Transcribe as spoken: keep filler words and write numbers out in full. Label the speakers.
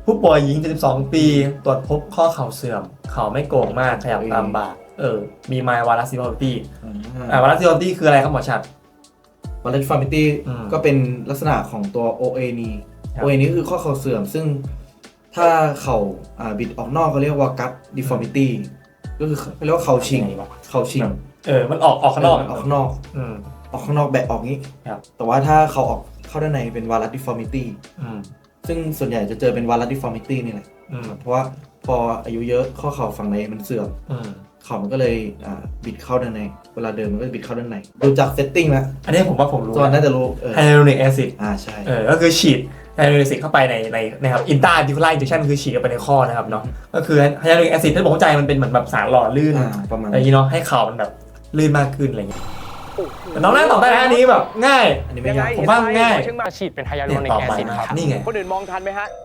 Speaker 1: ผู้ป่วยหญิงเจ็ดสิบสองปีตรวจพบข้อเข่าเสื่อมเข่าไม่โก่งมากขยับตามบ่าเออมีไมล์วารัสซิฟอร์ตี้อ่าวารัสซิฟอร์ตี้คืออะไรครับหมอชัด
Speaker 2: วารัสซิฟอร์ตี้
Speaker 1: อืม
Speaker 2: ก็เป็นลักษณะของตัว โอ เอ นี้
Speaker 1: ครับ
Speaker 2: โอ เอ นี้คือข้อเข่าเสื่อมซึ่งถ้าเข่าอ่าบิดออกนอกเขาเรียกว่ากัตดิฟอร์มิตี้ก็คือเขาเรียกว่าเข่าชิงเข่าชิง
Speaker 1: เออมันออกออกข้างนอก
Speaker 2: เออกข้างนอก
Speaker 1: อืม
Speaker 2: ออกข้างนอกแบะออกงี้
Speaker 1: ครับ
Speaker 2: แต่ว่าถ้าเขาออกเข้าด้านในเป็นวารัสดิฟอร์มิตี้
Speaker 1: อืม
Speaker 2: ซึ่งส่วนใหญ่จะเจอเป็นวารัสดิฟอร์มิตี้นี่แหละ
Speaker 1: อืม
Speaker 2: เพราะว่าพออายุเยอะข้อเข่าฝั่งในมันเสื่อม
Speaker 1: อืม
Speaker 2: เข่ามันก็เลยอ่าบิดเข้าด้านในเวลาเดินมันก็จะบิดเข้าด้านในดูจากเซตติ้งแล้ว
Speaker 1: อันนี้ผมว่าผมรู้
Speaker 2: จอห์นน่าจะรู้เออ
Speaker 1: ไฮยาลูรอนิกแอซิด
Speaker 2: อ่าใช่
Speaker 1: เออก็คือฉีดไฮยาลูรอนิกแอซิดเข้าไปในในนะครับอินตราดิคูล่าอินเจคชันคือฉีดเข้าไปในข้อนะครับเนาะก็คือไฮยาลูรอนิกแอซิดที่ผมเข้าใจมันเป็นเหมือนแบบสารหล่อลื่น
Speaker 2: อ่าประมาณ
Speaker 1: อะไรอย่างนี้เนาะให้เข่ามันแบบลื่นมากขึ้นอะไรอย่างเงี้ยแต่น้องน่าตอบได้นะอันนี้แบบง่าย
Speaker 2: อันนี้ไม่ยาก
Speaker 1: ผมว่าง่าย
Speaker 3: เชียงใหม่ฉีดเป็นไฮยาลูรอนิ
Speaker 1: ต
Speaker 3: ก
Speaker 1: อบ
Speaker 3: แอ
Speaker 1: ไป
Speaker 3: ซิด
Speaker 1: นะค
Speaker 3: ค
Speaker 1: รั
Speaker 3: รั
Speaker 1: บบ นี่ไง
Speaker 3: คนอื่นมองทันไหมฮะ